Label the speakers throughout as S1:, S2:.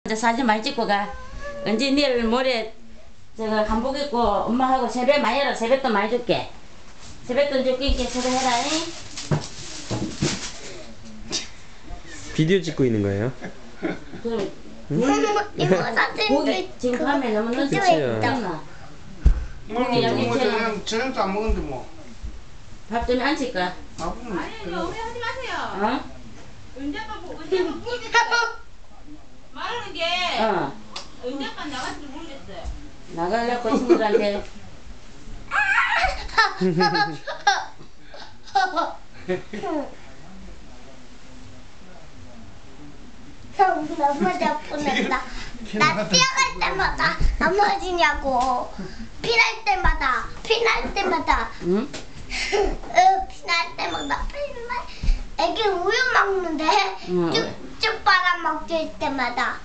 S1: 이제 사진 많이 찍고 가. 언제 내일 모레 저거 한복 입고 엄마하고 세배 많이 해라. 세뱃돈 많이 줄게. 세뱃돈 줄게. 이렇게 세배해라.
S2: 비디오 찍고 있는 거예요?
S1: 그럼
S3: 이거 사진
S1: 고기 지금 밤에 너무 늦었지.
S3: 있잖아.
S1: 고기 양념장
S4: 저녁도 안 먹는데 뭐.
S1: 밥 좀 안 칠 거야.
S4: 밥은
S5: 아니 오래 하지 마세요.
S1: 어?
S5: 은자가 모르겠어요. 말하는 게
S1: 어.
S5: 은자가 나갈지 모르겠어요.
S1: 나가려고 친구들한테.
S3: 넘어져 보낸다. 나 뛰어갈 때마다 넘어지냐고. 피날 때마다
S1: 응?
S3: 피날 때마다 애기 우유 먹는데
S1: 응.
S3: 쭉쭉 빨아먹을 때마다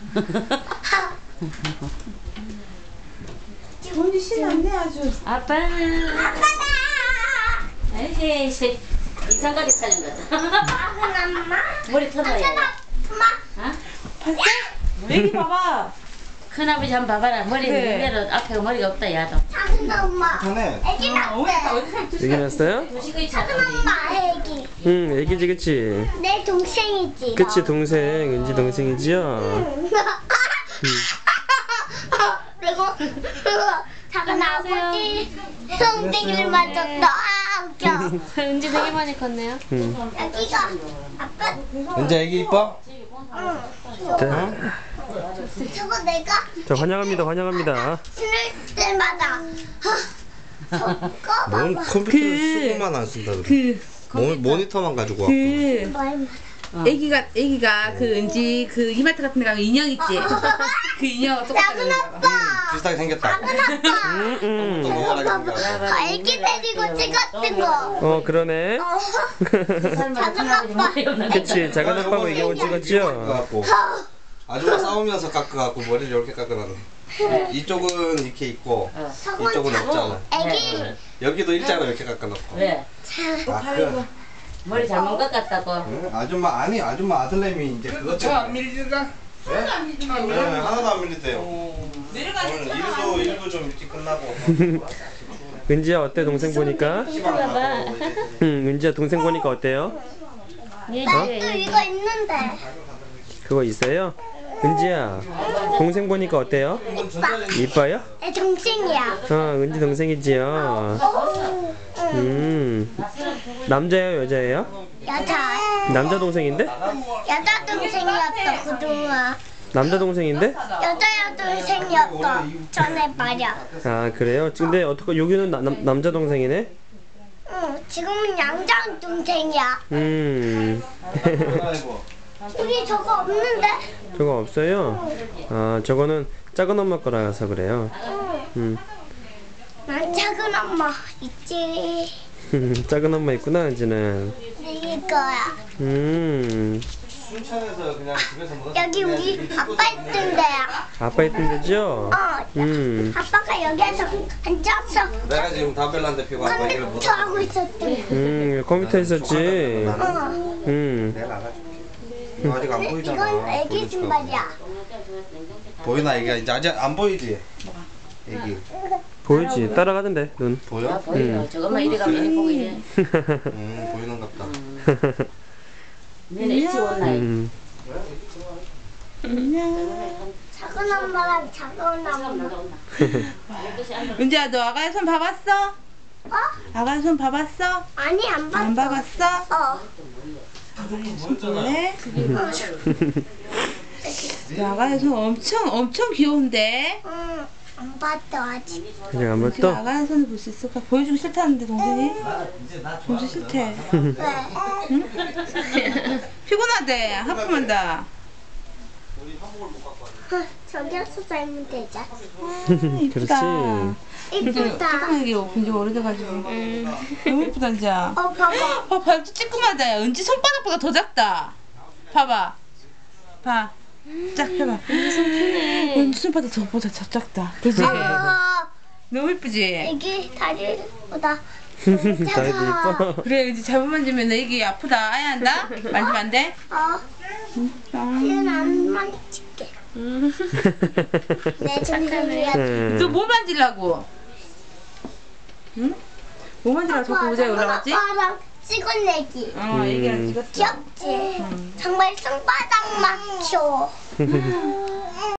S5: 돈이 신났네 아주.
S1: 아빠는
S3: 아빠다.
S1: 에이 이상하게 타는 거다.
S3: 작은 엄마.
S1: 머리 털어야 돼.
S3: 엄마.
S1: 어?
S5: 봤어? 애기 봐봐.
S1: 큰아버지 한번 봐봐라. 머리
S5: 그래.
S1: 내려 앞에 머리가 없다 야도.
S3: 작은 엄마.
S4: 자네.
S3: 애기 낳았대.
S2: 얘기 났어요?
S1: 도시가
S3: 작은
S1: 있잖아.
S3: 엄마 애기.
S2: 응, 애기지, 그치?
S3: 내 동생이지.
S2: 그치, 동생, 은지 동생이지요?
S3: 그리고 작은 아버지 성대기를 맞았다. 아 웃겨.
S6: 은지 되게 많이 컸네요.
S2: 응.
S3: 여기가 아빠.
S4: 은자 애기 이뻐?
S3: 응.
S2: 자,
S3: 저거 내가
S2: 자, 환영합니다, 환영합니다.
S3: 신을 때마다 저거
S4: 뭔
S3: 봐봐.
S4: 컴퓨터를 수고만 안 쓴다 그래. 모니터만 가지고 와.
S5: 애기가 그 은지 그 이마트 같은 데 가면 인형 있지. 그 인형
S3: 작은 아빠.
S4: 비슷하게 생겼다.
S3: 작은 아빠.
S2: 응, 응.
S4: 동그랗게 생겼다.
S3: 애기 데리고 찍었던 거.
S2: 어, 그러네.
S3: 작은 아빠.
S2: 그치, 작은 아빠하고 이경을 찍었죠?
S4: 깎아갖고 아줌마 싸우면서 깎아갖고 머리를 이렇게 깎아놨네. 이쪽은 이렇게 있고 이쪽은 없잖아.
S3: 애기.
S4: 여기도 일자로 이렇게 깎아놓고.
S1: 왜?
S4: 아, 그
S1: 머리 잘못 깎았다고.
S4: 응? 아줌마 아니 아줌마 아들내미 이제 그것 때문에.
S7: 밀리가?
S4: 네? 네, 하나도 안 밀리대요.
S5: 내려가셨잖아.
S4: 일도 좀 일찍 끝나고.
S2: 은지야, 어때, 동생 보니까?
S4: 시방 가고 이제.
S2: 응, 은지야, 동생 보니까 어때요?
S3: 나도 이거 있는데.
S2: 그거 있어요? 은지야, 동생 보니까 어때요? 이뻐요?
S3: 내 동생이야.
S2: 어, 은지 동생이지요. 남자예요, 여자예요?
S3: 여자.
S2: 남자 동생인데?
S3: 여자 동생이었어 그동안.
S2: 남자 동생인데?
S3: 여자 동생이었어 전에 말이야.
S2: 아, 그래요? 근데 어떻게 여기는 남자 동생이네?
S3: 응, 지금은 양장 동생이야. 우리 저거 없는데?
S2: 저거 없어요? 아, 저거는 작은 엄마 거라서 그래요.
S3: 난 작은 엄마 있지.
S2: 작은 엄마 있구나, 은지는.
S3: 이거야.
S4: 순천에서 그냥 집에서 먹었어.
S3: 여기 우리 아빠 있던 데야.
S2: 아빠 있던 데죠?
S3: 아빠가 여기에서 앉아서
S4: 내가 지금 담배란데 피고 아빠 얘기를 못
S3: 컴퓨터 하고 있었대.
S2: 컴퓨터 있었지.
S4: 내가 알아줄게. 이거 아직 안 보이잖아.
S3: 이건 애기 신발이야.
S4: 보이나 애기가 이제 아직 안 보이지? 애기
S2: 보이지? 따라가던데, 눈.
S4: 보여?
S1: 보여. 저것만 이리 가면 보고 이래.
S4: 보이는 같다.
S1: 너네 일찍 온 나이.
S3: 작은 엄마랑 작은 엄마.
S5: 은지야 너 아가의 손 봐봤어?
S3: 어?
S5: 아가의 손 봐봤어?
S3: 아니 안 봤어.
S5: 안 봐봤어?
S3: 어.
S5: 네. 너 아가의 손 엄청 귀여운데?
S3: 응. 안 봤어 아직.
S2: 그냥 한번
S5: 지금
S2: 또.
S5: 아가의 손을 볼 수 있을까? 보여주기 싫다는데 동생이? 보여주기 싫대.
S3: 왜?
S5: 피곤하대. 하품한다.
S3: 저기서 살면 되자.
S2: 그렇지.
S3: 이쁘다.
S5: 조그맣게 본지 오래돼가지고. 너무 이쁘다 은지야.
S3: 봐봐.
S5: 발도 찌끄마다. 야 은지 손바닥보다 더 작다. 봐봐. 봐. 쫙 펴봐. 은지 손바닥 더보다 더 작다. 그지? 너무 이쁘지?
S3: 애기 다리보다
S2: 다리도 이뻐.
S5: 그래 은지 잘못 만지면 애기 아프다. 아야 한다? 만지면 안 돼?
S3: 얘는 안 만질게. 내 정신이야.
S5: 너 뭐 만지려고? 응? 뭐 만지려고 자꾸 의자에 올라갔지?
S3: 아빠랑 찍어내기.
S5: 얘기랑 찍었어.
S3: 귀엽지? 정말 손바닥 막혀.